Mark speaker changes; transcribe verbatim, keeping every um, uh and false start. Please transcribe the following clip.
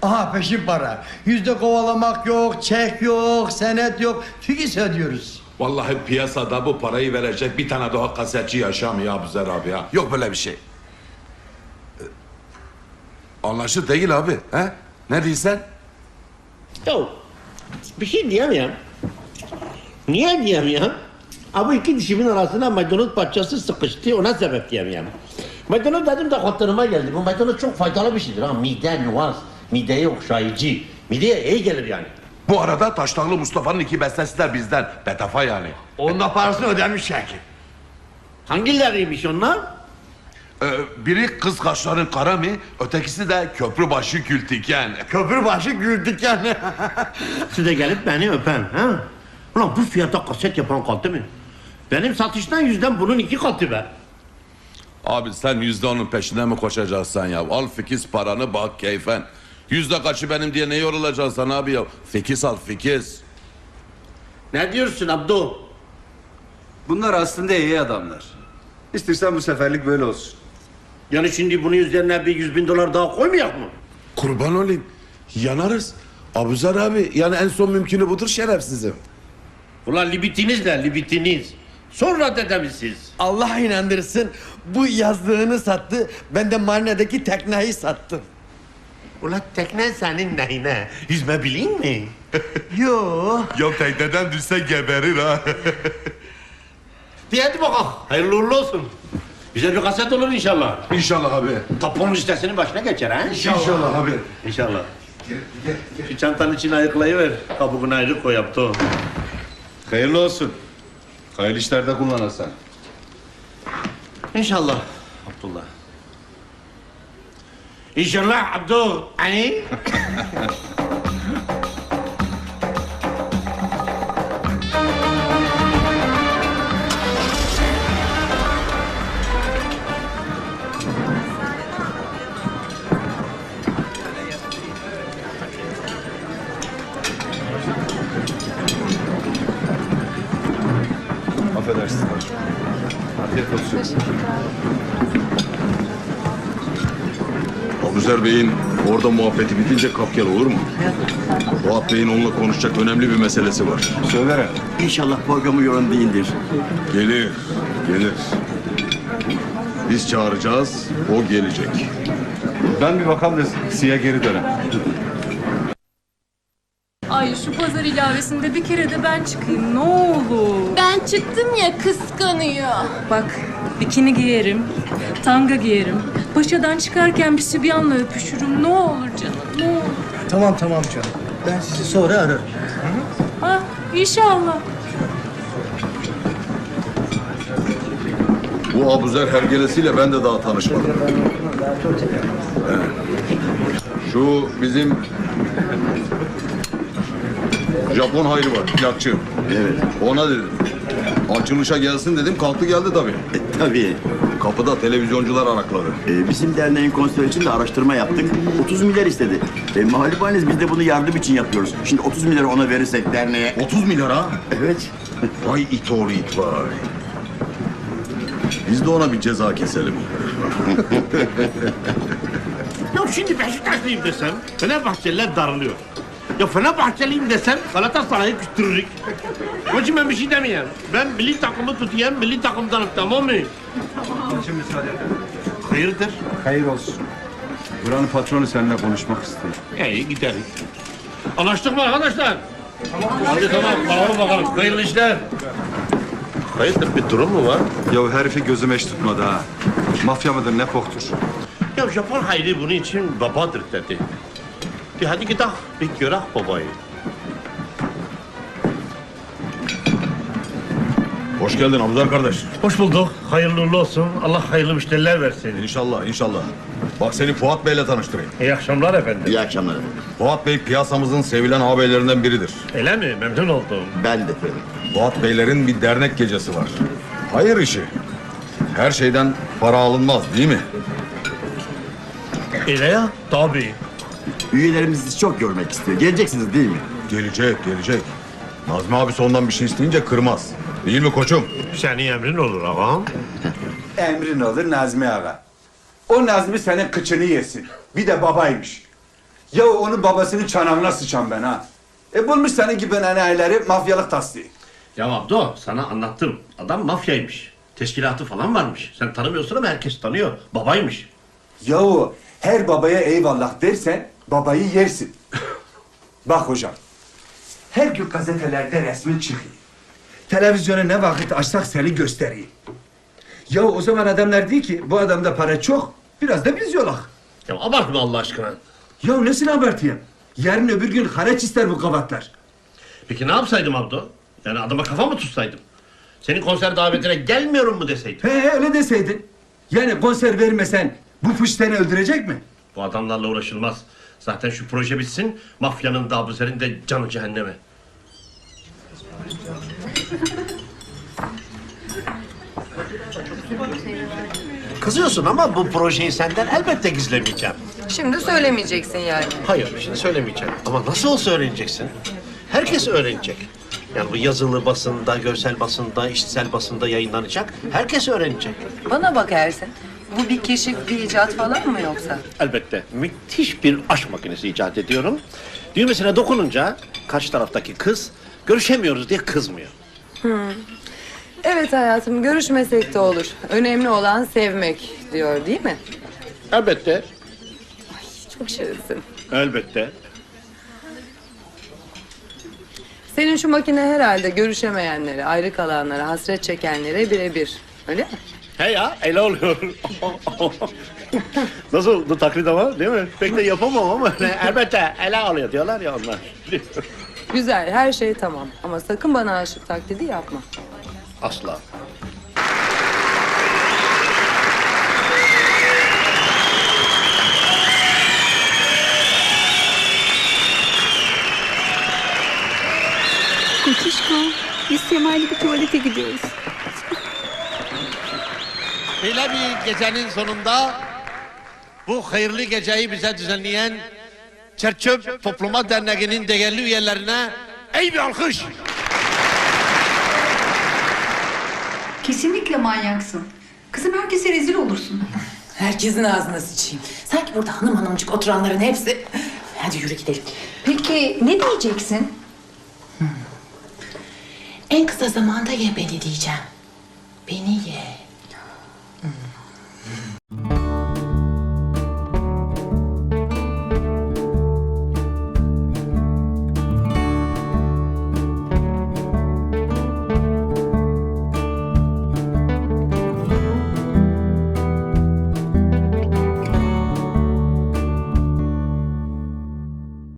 Speaker 1: Aha peşin para. Yüzde kovalamak yok, çek yok, senet yok. Fikis ödüyoruz.
Speaker 2: Vallahi piyasada bu parayı verecek bir tane daha kasetçi yaşamıyor Abuzer abi ya. Yok böyle bir şey. Ee, Anlaşılır değil abi. He? Ne diyorsun?
Speaker 3: Ya bir şey diyemiyorum. Niye diyemiyorum? Abi iki dişimin arasına maydanoz parçası sıkıştı, ona sebep diyemiyorum. Maydanoz dedim de hatırıma geldi. Bu maydanoz çok faydalı bir şeydir ha. Mide, nüans, mideye okşayıcı. Mideye iyi gelir yani.
Speaker 2: Bu arada Taştanlı Mustafa'nın iki bestesi de bizden. Betafa yani.
Speaker 1: Onun da parasını ödemiş Şakir.
Speaker 3: Hangileriymiş onlar?
Speaker 2: Ee, biri kız kaşların kara mı? Ötekisi de köprübaşı kültiken.
Speaker 1: Köprübaşı güldük yani.
Speaker 3: Siz de gelip beni öpen ha? Ulan bu fiyata kaset yapan kaldı mı? Benim satıştan yüzden bunun iki katı be.
Speaker 2: Abi sen yüzde onun peşinden mi koşacaksın ya? Al fikiz paranı bak keyfen. Yüzde kaçı benim diye ne yorulacaksın abi ya? Fikiz al fikiz.
Speaker 3: Ne diyorsun Abdu?
Speaker 4: Bunlar aslında iyi adamlar. İstersen bu seferlik böyle olsun.
Speaker 3: Yani şimdi bunun üzerine bir yüz bin dolar daha koymayak mı?
Speaker 2: Kurban olayım. Yanarız. Abuzer abi yani en son mümkünü budur şerefsizim.
Speaker 3: Ulan libitiniz de libitiniz. Sonra dedemizsiz.
Speaker 1: Allah inandırsın. Bu yazdığını sattı. Ben de marinedeki tekneyi sattım.
Speaker 3: Ulan tekne senin neyine? Yüzme bileyim mi?
Speaker 1: Yo.
Speaker 2: Ya tekneden düşse geberir ha.
Speaker 3: Diye hadi bakalım. Hayırlı uğurlu olsun. Güzel bir kaset olur inşallah.
Speaker 2: İnşallah abi.
Speaker 3: Tapon listesinin başına geçer ha?
Speaker 2: İnşallah abi.
Speaker 3: İnşallah. Şu çantanın içine ayıklayıver. Kabuğunu ayrı koy yaptı o.
Speaker 4: Hayırlı olsun. Hayırlı işlerde kullanırsan.
Speaker 3: İnşallah Abdullah. İnşallah Abdu. Hani?
Speaker 4: Affedersiniz. Afiyet olsun.
Speaker 2: Abuzer Bey'in orada muhabbeti bitince kap gel olur mu? Fuat Bey'in onunla konuşacak önemli bir meselesi var.
Speaker 4: Söyle.
Speaker 5: İnşallah programı yoran değildir.
Speaker 2: Gelir, gelir. Biz çağıracağız, o gelecek.
Speaker 4: Ben bir bakalım da size geri dönem.
Speaker 6: Ay şu pazar ilavesinde bir kere de ben çıkayım ne olur.
Speaker 7: Ben çıktım ya kıskanıyor.
Speaker 6: Bak bikini giyerim, tanga giyerim. Paşadan çıkarken bir sübyanla öpüşürüm ne olur canım ne olur.
Speaker 1: Tamam tamam canım. Ben sizi sonra ararım.
Speaker 6: Ha inşallah.
Speaker 2: Bu Abuzer hergelesiyle ben de daha tanışmadım. Evet. Şu bizim Japon hayrı var, plakçı.
Speaker 5: Evet.
Speaker 2: Ona dedim. Açılışa gelsin dedim, kalktı geldi tabii.
Speaker 5: E, tabii.
Speaker 2: Kapıda televizyoncular arakladı.
Speaker 5: E, bizim derneğin konseri için de araştırma yaptık. otuz milyar istedi. E, Mahallebaneniz biz de bunu yardım için yapıyoruz. Şimdi otuz milyar ona verirsek derneğe...
Speaker 2: otuz milyar ha?
Speaker 5: Evet.
Speaker 2: Vay it oğlu it vay. Biz de ona bir ceza keselim.
Speaker 3: Ya şimdi Beşiktaşlıyım desem Fenerbahçeliler darılıyor. Ya Fenerbahçeliyim desem Galatasaray'ı küstürürük. Onun için ben bir şey demeyeyim. Ben milli takımı tutayım, milli takımdanım tamam mı?
Speaker 4: Şimdi müsaade edin.
Speaker 3: Hayırdır?
Speaker 4: Hayır olsun. Buranın patronu seninle konuşmak istiyor.
Speaker 3: İyi gideriz. Anlaştık mı arkadaşlar? Hadi tamam, bakalım bakalım. Hayırlı işler. Hayırdır bir durum mu var?
Speaker 4: Ya herifi gözüm eş tutmadı ha. Mafya mıdır ne poktur?
Speaker 3: Ya Japon Hayri bunun için babadır dedi. De hadi gidelim bir görek babayı.
Speaker 2: Hoş geldin Abuzer kardeş.
Speaker 3: Hoş bulduk. Hayırlı uğurlu olsun. Allah hayırlı müşteriler versin.
Speaker 2: İnşallah, inşallah. Bak seni Fuat Bey'le tanıştırayım.
Speaker 3: İyi akşamlar efendim.
Speaker 5: İyi akşamlar efendim.
Speaker 2: Fuat Bey piyasamızın sevilen ağabeylerinden biridir.
Speaker 3: Öyle mi? Memnun oldum.
Speaker 5: Ben de efendim.
Speaker 2: Fuat Beylerin bir dernek gecesi var. Hayır işi. Her şeyden para alınmaz değil mi?
Speaker 3: Öyle ya? Tabii.
Speaker 5: Üyelerimiz sizi çok görmek istiyor. Geleceksiniz değil mi?
Speaker 2: Gelecek, gelecek. Nazmi abi ondan bir şey isteyince kırmaz. Değil mi koçum?
Speaker 3: Senin emrin olur ağam.
Speaker 8: Emrin olur Nazmi ağa. O Nazmi senin kıçını yesin. Bir de babaymış.
Speaker 4: Ya onun babasının çanağına sıçan ben ha. E bulmuş senin gibi enayileri mafyalık tasdiği.
Speaker 3: Ya Abdo sana anlattım. Adam mafyaymış. Teşkilatı falan varmış. Sen tanımıyorsun ama herkes tanıyor. Babaymış.
Speaker 4: Yahu her babaya eyvallah dersen babayı yersin. Bak hocam. Her gün gazetelerde resmin çıkıyor. Televizyona ne vakit açsak seni gösteriyor. Ya o zaman adamlar diyor ki bu adamda para çok, biraz da biz yolak.
Speaker 3: Ya abartma Allah aşkına.
Speaker 4: Ya nesini abartayım? Yarın öbür gün haraç ister bu kavatlar.
Speaker 3: Peki ne yapsaydım Abdo? Yani adama kafa mı tutsaydım? Senin konser davetine gelmiyorum mu deseydim?
Speaker 4: He öyle deseydin. Yani konser vermesen bu fış seni öldürecek mi?
Speaker 3: Bu adamlarla uğraşılmaz. Zaten şu proje bitsin, mafyanın da Abuzer'in de canı cehenneme. Kızıyorsun ama bu projeyi senden elbette gizlemeyeceğim.
Speaker 8: Şimdi söylemeyeceksin yani.
Speaker 3: Hayır, şimdi söylemeyeceğim. Ama nasıl olsa öğreneceksin. Herkes öğrenecek. Yani bu yazılı basında, görsel basında, işitsel basında yayınlanacak. Herkes öğrenecek.
Speaker 8: Bana bak Ersin. Bu bir keşif, bir icat falan mı yoksa?
Speaker 3: Elbette. Müthiş bir aşk makinesi icat ediyorum. Düğmesine dokununca karşı taraftaki kız görüşemiyoruz diye kızmıyor.
Speaker 8: Evet hayatım, görüşmesek de olur. Önemli olan sevmek diyor değil mi?
Speaker 3: Elbette.
Speaker 8: Çok şirinsin.
Speaker 3: Elbette.
Speaker 8: Senin şu makine herhalde görüşemeyenlere, ayrı kalanlara, hasret çekenlere birebir. Öyle mi?
Speaker 3: He ya, ele oluyor. Nasıl bu taklit ama değil mi? Pek de yapamam ama elbette ele alıyor diyorlar ya onlar.
Speaker 8: Güzel, her şey tamam. Ama sakın bana aşık taklidi yapma.
Speaker 3: Asla.
Speaker 9: Kutuşko, biz Semay'la bir tuvalete gidiyoruz.
Speaker 3: Böyle bir gecenin sonunda bu hayırlı geceyi bize düzenleyen Çerçöp Topluma Derneği'nin değerli üyelerine ey bir alkış!
Speaker 9: Kesinlikle manyaksın. Kızım herkese rezil olursun.
Speaker 10: Herkesin ağzına sıçayım. Sanki burada hanım hanımcık oturanların hepsi... Hadi yürü gidelim.
Speaker 9: Peki ne diyeceksin?
Speaker 10: En kısa zamanda ye beni diyeceğim. Beni ye.